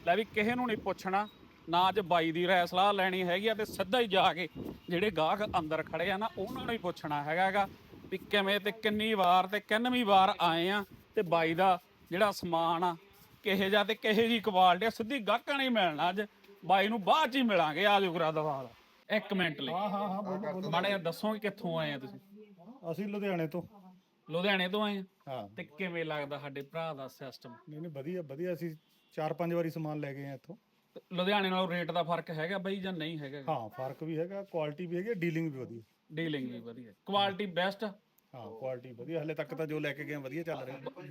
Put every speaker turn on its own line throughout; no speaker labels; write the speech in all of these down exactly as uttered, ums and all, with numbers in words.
ਲੈ ਵੀ ਕਿਸੇ ਨੂੰ ਨਹੀਂ ਪੁੱਛਣਾ ਨਾ ਅੱਜ ਬਾਈ ਦੀ ਰਾਏ ਸਲਾਹ ਲੈਣੀ ਹੈਗੀ ਆ, ਤੇ ਸਿੱਧਾ ਹੀ ਜਾ ਕੇ ਜਿਹੜੇ ਗਾਹਕ ਅੰਦਰ ਖੜੇ ਆ ਨਾ ਉਹਨਾਂ ਨੂੰ ਹੀ ਪੁੱਛਣਾ ਹੈਗਾ ਵੀ ਕਿਵੇਂ ਤੇ ਕਿੰਨੀ ਵਾਰ ਤੇ ਕਿੰਨਵੀਂ ਵਾਰ ਆਏ ਆ, ਤੇ ਬਾਈ ਦਾ ਜਿਹੜਾ ਸਮਾਨ ਆ ਕਿਹੇ ਜਾ ਤੇ ਕਿਹੇ ਜੀ ਕੁਆਲਿਟੀ ਆ, ਸਿੱਧੀ ਗਾਹਕਾਂ ਨਹੀਂ ਮਿਲਣਾ। ਅੱਜ ਬਾਈ ਨੂੰ ਬਾਅਦ ਚ ਹੀ ਮਿਲਾਂਗੇ। ਆ ਜਾਓ ਕਰਾ ਦਵਾਲ ਇੱਕ ਮਿੰਟ ਲਈ।
ਹਾਂ ਹਾਂ ਹਾਂ ਬੋਲੋ ਬੋਲੋ।
ਮਾੜਾ ਜਿਹਾ ਦੱਸੋ ਕਿ ਕਿੱਥੋਂ ਆਏ ਆ ਤੁਸੀਂ?
ਅਸੀਂ ਲੁਧਿਆਣੇ ਤੋਂ।
ਲੁਧਿਆਣੇ ਤੋਂ ਆਏ ਆ।
ਹਾਂ
ਤੇ ਕਿਵੇਂ ਲੱਗਦਾ ਸਾਡੇ ਭਰਾ ਦਾ ਸਿਸਟਮ?
ਨਹੀਂ ਨਹੀਂ ਵਧੀਆ ਵਧੀਆ। ਅਸੀਂ ਚਾਰ ਪੰਜ ਵਾਰੀ ਸਮਾਨ ਲੈ ਗਏ ਆ ਇੱਥੋਂ।
ਲੁਧਿਆਣੇ ਨਾਲੋਂ ਰੇਟ ਦਾ ਫਰਕ ਹੈਗਾ ਬਾਈ ਜਾਂ ਨਹੀਂ ਹੈਗਾ?
ਹਾਂ ਫਰਕ ਵੀ ਹੈਗਾ, ਕੁਆਲਿਟੀ ਵੀ ਹੈਗੀ, ਡੀਲਿੰਗ ਵੀ ਵਧੀਆ।
ਡੀਲਿੰਗ ਵੀ ਵਧੀਆ, ਕੁਆਲਿਟੀ ਬੈਸਟ।
ਹਾਂ ਕੁਆਲਿਟੀ ਵਧੀਆ, ਹਲੇ ਤੱਕ ਤਾਂ ਜੋ ਲੈ ਕੇ ਗਏ ਆ ਵਧੀਆ ਚੱਲ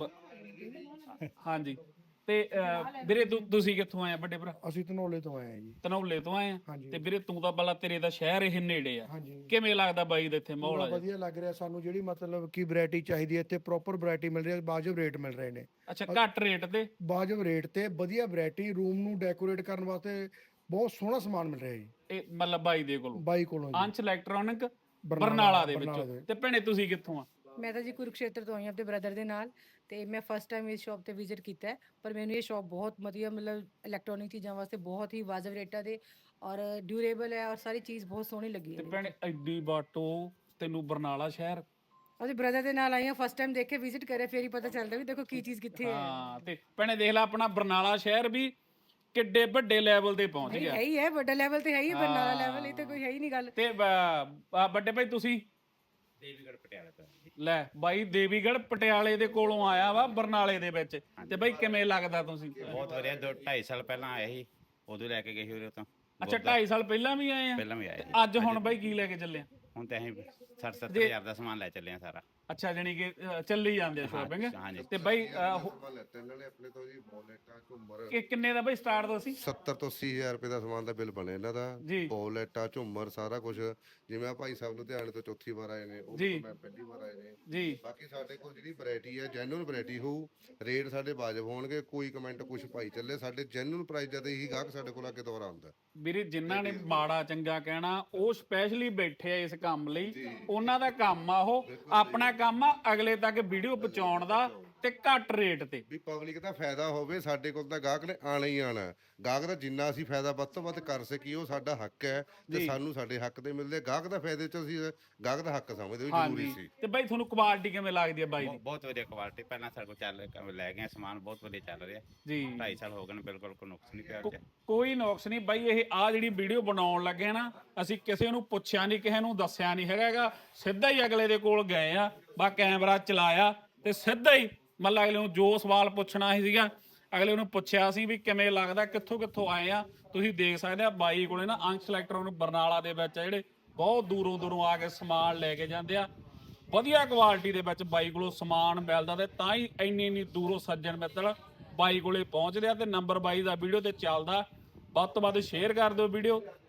ਰਿਹਾ।
ਹਾਂਜੀ। ਤੇ ਅਹ, ਵੀਰੇ ਤੂੰ ਤੁਸੀਂ ਕਿੱਥੋਂ ਆਏ ਆ ਵੱਡੇ ਭਰਾ?
ਅਸੀਂ ਧਨੌਲੇ ਤੋਂ ਆਏ ਆ ਜੀ।
ਧਨੌਲੇ ਤੋਂ ਆਏ ਆ। ਤੇ ਵੀਰੇ ਤੂੰ ਤਾਂ ਬੱਲਾ ਤੇਰੇ ਦਾ ਸ਼ਹਿਰ ਇਹ ਨੇੜੇ ਆ,
ਹਾਂਜੀ
ਕਿਵੇਂ ਲੱਗਦਾ ਬਾਈ ਦਾ ਇੱਥੇ ਮਾਹੌਲ ਆ?
ਵਧੀਆ ਲੱਗ ਰਿਹਾ ਸਾਨੂੰ। ਜਿਹੜੀ ਮਤਲਬ ਕੀ ਵੈਰਾਈਟੀ ਚਾਹੀਦੀ ਹੈ ਇੱਥੇ ਪ੍ਰੋਪਰ ਵੈਰਾਈਟੀ ਮਿਲ ਰਹੀ ਹੈ, ਵਾਜਬ ਰੇਟ ਮਿਲ ਰਹੇ ਨੇ।
ਅੱਛਾ, ਘੱਟ ਰੇਟ ਤੇ
ਵਾਜਬ ਰੇਟ ਤੇ ਵਧੀਆ ਵੈਰਾਈਟੀ, ਰੂਮ ਨੂੰ ਡੈਕੋਰੇਟ ਕਰਨ ਵਾਸਤੇ ਬਹੁਤ ਸੋਹਣਾ ਸਮਾਨ ਮਿਲ ਰਿਹਾ ਜੀ
ਇਹ ਮਤਲਬ ਬਾਈ ਦੇ ਕੋਲੋਂ,
ਬਾਈ ਕੋਲੋਂ ਜੀ।
ਅੰਸ਼ ਇਲੈਕਟ੍ਰੋਨਿਕ ਬਰਨਾਲਾ ਦੇ ਵਿੱਚੋਂ। ਤੇ ਭੈਣੇ ਤੁਸੀਂ ਕਿੱਥੋਂ ਆ?
ਮੈਂ ਤਾਂ ਜੀ ਕੁਰੂਕਸ਼ੇਤਰ ਤੋਂ ਆਈ ਹਾਂ ਆਪਣੇ ਬ੍ਰਦਰ ਦੇ ਨਾਲ, ਤੇ ਮੈਂ ਫਸਟ ਟਾਈਮ ਇਸ ਸ਼ਾਪ ਤੇ ਵਿਜ਼ਿਟ ਕੀਤਾ ਹੈ। ਪਰ ਮੈਨੂੰ ਇਹ ਸ਼ਾਪ ਬਹੁਤ ਵਧੀਆ, ਮਤਲਬ ਇਲੈਕਟ੍ਰੋਨਿਕ ਚੀਜ਼ਾਂ ਵਾਸਤੇ ਬਹੁਤ ਹੀ ਵਾਜਬ ਰੇਟਾਂ ਦੇ, ਔਰ ਡਿਊਰੇਬਲ ਹੈ, ਔਰ ਸਾਰੀ ਚੀਜ਼ ਬਹੁਤ ਸੋਹਣੀ ਲੱਗੀ
ਤੇ
ਹੈ।
ਭੈਣੇ ਐਡੀ ਬਾਟੋ ਤੈਨੂੰ ਬਰਨਾਲਾ ਸ਼ਹਿਰ?
ਉਹਦੇ ਬ੍ਰਦਰ ਦੇ ਨਾਲ ਆਈ ਹਾਂ, ਫਸਟ ਟਾਈਮ ਦੇਖ ਕੇ ਵਿਜ਼ਿਟ ਕਰਿਆ, ਫੇਰ ਹੀ ਪਤਾ ਚੱਲਦਾ ਵੀ ਦੇਖੋ ਕੀ ਚੀਜ਼ ਕਿੱਥੇ ਹੈ।
ਹਾਂ। ਤੇ ਭੈਣੇ ਦੇਖ ਲੈ ਆਪਣਾ ਬਰਨਾਲਾ ਸ਼ਹਿਰ ਵੀ ਕਿੱਡੇ ਵੱਡੇ ਲੈਵਲ ਤੇ ਪਹੁੰਚ ਗਿਆ।
ਹੈ ਹੀ ਹੈ, ਵੱਡਾ ਲੈਵਲ ਤੇ ਹੈ ਹੀ, ਬਰਨਾਲਾ ਲੈਵਲ ਇਹ ਤਾਂ ਕੋਈ ਹੈ ਹੀ ਨਹੀਂ ਗੱਲ।
ਤੇ ਬ- ਵੱਡੇ ਭਾਈ ਤੁਸੀਂ?
ਦੇਵੀਗੜ੍ਹ ਪਟਿਆਲਾ ਤੋਂ।
ਲੈ ਬਾਈ ਦੇਵੀਗੜ੍ਹ ਪਟਿਆਲੇ ਦੇ ਕੋਲੋਂ ਆਇਆ ਵਾ ਬਰਨਾਲੇ ਦੇ ਵਿੱਚ। ਤੇ ਬਾਈ ਕਿਵੇਂ ਲੱਗਦਾ ਤੁਸੀਂ?
ਬਹੁਤ ਵਧੀਆ। ਦੋ ਢਾਈ ਸਾਲ ਪਹਿਲਾਂ ਆਏ ਸੀ, ਉਦੋਂ ਲੈ ਕੇ ਗਏ ਸੀ ਉਰੇ ਤੋਂ।
ਅੱਛਾ, ਢਾਈ ਸਾਲ ਪਹਿਲਾਂ ਵੀ ਆਏ ਆ?
ਪਹਿਲਾਂ ਵੀ ਆਏ ਸੀ।
ਅੱਜ ਹੁਣ ਬਾਈ ਕੀ ਲੈ ਕੇ ਚੱਲੇ ਆ?
ਹੁਣ ਤਾਂ ਅਸੀਂ ਸੱਠ ਸੱਤਰ ਹਜ਼ਾਰ ਦਾ ਸਮਾਨ ਲੈ ਚੱਲੇ ਆ ਸਾਰਾ।
ਅੱਛਾ, ਜਾਨੀ ਕਿ ਅ, ਚੱਲੀ ਜਾਂਦੇ ਆ ਸ਼ੋਪਿੰਗ।
ਹਾਂਜੀ।
ਤੇ ਬਾਈ ਅ, ਹੋ-
ਸਮਾਨ ਲੈਤੇ ਇਹਨਾਂ ਨੇ ਆਪਣੇ ਤੋਂ ਜੀ, ਬੋਲੇਟਾਂ ਝੁੰਮਰ।
ਕਿ ਕਿੰਨੇ ਦਾ ਬਾਈ ਸਟਾਰਟ ਦੋ ਸੀ?
ਸੱਤਰ ਤੋਂ ਅੱਸੀ ਹਜ਼ਾਰ ਰੁਪਏ ਦਾ ਸਮਾਨ ਦਾ ਬਿੱਲ ਬਣਿਆ ਇਹਨਾਂ ਦਾ।
ਜੀ।
ਬੋਲੇਟਾਂ ਝੁੰਮਰ ਸਾਰਾ ਕੁਝ। ਜਿਵੇਂ ਆ ਭਾਈ ਸਾਹਿਬ ਲੁਧਿਆਣੇ ਤੋਂ ਚੌਥੀ ਵਾਰ ਆਏ ਨੇ, ਉਹ
ਜੀ।
ਮੈਂ ਪਹਿਲੀ ਵਾਰ ਆਏ ਨੇ।
ਜੀ।
ਬਾਕੀ ਸਾਡੇ ਕੋਲ ਜਿਹੜੀ ਵੈਰਾਈਟੀ ਹੈ ਜੈਨੂਇਨ ਵੈਰਾਈਟੀ ਹੋਊ, ਰੇਟ ਸਾਡੇ ਵਾਜਬ ਹੋਣਗੇ। ਕੋਈ ਕਮੈਂਟ ਕੁਝ ਪਾਈ ਚੱਲੇ, ਸਾਡੇ ਜੈਨੂਇਨ ਪ੍ਰਾਈਸ ਜਦ ਹੀ ਗਾਹਕ ਸਾਡੇ ਕੋਲ ਆ ਕੇ ਦੁਬਾਰਾ ਆਉਂਦਾ।
ਵੀਰੇ ਜਿਨ੍ਹਾਂ ਨੇ ਮਾੜਾ ਚੰਗਾ ਕਹਿਣਾ ਉਹ ਸਪੈਸ਼ਲੀ ਬੈਠੇ ਆ ਇਸ ਕੰਮ ਲਈ, ਉਹਨਾਂ ਦਾ ਕੰਮ ਆ ਉਹ। ਆਪਣਾ ਕੰਮ ਆ ਅਗਲੇ ਤੱਕ ਵੀਡੀਓ ਪਹੁੰਚਾਉਣ ਦਾ, ਤੇ ਘੱਟ ਰੇਟ ਤੇ।
ਵੀ ਪਬਲਿਕ ਦਾ ਫਾਇਦਾ ਹੋਵੇ। ਸਾਡੇ ਕੋਲ ਤਾਂ ਗਾਹਕ ਨੇ ਆਣਾ ਹੀ ਆਣਾ। ਗਾਹਕ ਦਾ ਜਿੰਨਾ ਅਸੀਂ ਫਾਇਦਾ ਵੱਧ ਤੋਂ ਵੱਧ ਕਰ ਸਕੀਏ ਉਹ ਸਾਡਾ ਹੱਕ ਹੈ, ਤੇ ਸਾਨੂੰ ਸਾਡੇ ਹੱਕ ਦੇ ਮਿਲਦੇ। ਗਾਹਕ ਦਾ ਫਾਇਦੇ ਚ ਅਸੀਂ ਗਾਹਕ ਦਾ ਹੱਕ ਸਮਝਦੇ ਵੀ ਜ਼ਰੂਰੀ ਸੀ।
ਤੇ ਬਾਈ ਤੁਹਾਨੂੰ ਕੁਆਲਿਟੀ ਕਿਵੇਂ ਲੱਗਦੀ ਹੈ ਬਾਈ ਦੀ?
ਬਹੁਤ ਵਧੀਆ ਕੁਆਲਿਟੀ। ਪਹਿਲਾਂ ਸਾਡੇ ਕੋਲ ਚੱਲ ਲੈ ਗਏ ਸਮਾਨ, ਬਹੁਤ ਵਧੀਆ ਚੱਲ ਰਿਹਾ
ਜੀ।
ਢਾਈ ਸਾਲ ਹੋ ਗਏ ਨੇ, ਬਿਲਕੁਲ ਕੋਈ ਨੁਕਸ ਨਹੀਂ ਪਿਆ।
ਕੋ- ਕੋਈ ਨੁਕਸ ਨਹੀਂ ਬਾਈ। ਇਹ ਆ ਜਿਹੜੀ ਵੀਡੀਓ ਬਣਾਉਣ ਲੱਗੇ ਨਾ, ਅਸੀਂ ਕਿਸੇ ਨੂੰ ਪੁੱਛਿਆ ਨਹੀਂ, ਕਿਸੇ ਨੂੰ ਦੱਸਿਆ ਨਹੀਂ ਹੈਗਾ। ਸਿੱਧਾ ਹੀ ਅਗਲੇ ਦੇ ਕੋਲ ਗਏ ਆ, ਬਾ ਕੈਮਰਾ ਚਲਾਇਆ ਤੇ ਸਿੱਧਾ ਹੀ ਮਤਲਬ ਅਗਲੇ ਨੂੰ ਜੋ ਸਵਾਲ ਪੁੱਛਣਾ ਸੀ ਸੀਗਾ, ਅਗਲੇ ਨੂੰ ਪੁੱਛਿਆ ਸੀ ਵੀ ਕਿਵੇਂ ਲੱਗਦਾ, ਕਿੱਥੋਂ ਕਿੱਥੋਂ ਆਏ ਆ। ਤੁਸੀਂ ਦੇਖ ਸਕਦੇ ਆ ਬਾਈ ਕੋਲੇ ਨਾ ਅੰਸ਼ ਇਲੈਕਟ੍ਰੋਨਿਕ ਬਰਨਾਲਾ ਦੇ ਵਿੱਚ ਆ, ਜਿਹੜੇ ਬਹੁਤ ਦੂਰੋਂ ਦੂਰੋਂ ਆ ਕੇ ਸਮਾਨ ਲੈ ਕੇ ਜਾਂਦੇ ਆ। ਵਧੀਆ ਕੁਆਲਿਟੀ ਦੇ ਵਿੱਚ ਬਾਈ ਕੋਲੋਂ ਸਮਾਨ ਮਿਲਦਾ, ਤੇ ਤਾਂ ਹੀ ਇੰਨੀ ਇੰਨੀ ਦੂਰੋਂ ਸੱਜਣ ਮਿੱਤਰ ਬਾਈ ਕੋਲੇ ਪਹੁੰਚਦੇ ਆ। ਤੇ ਨੰਬਰ ਬਾਈ ਦਾ ਵੀਡੀਓ ਤੇ ਚੱਲਦਾ, ਵੱਧ ਤੋਂ ਵੱਧ ਸ਼ੇਅਰ ਕਰ ਦਿਓ ਵੀਡੀਓ,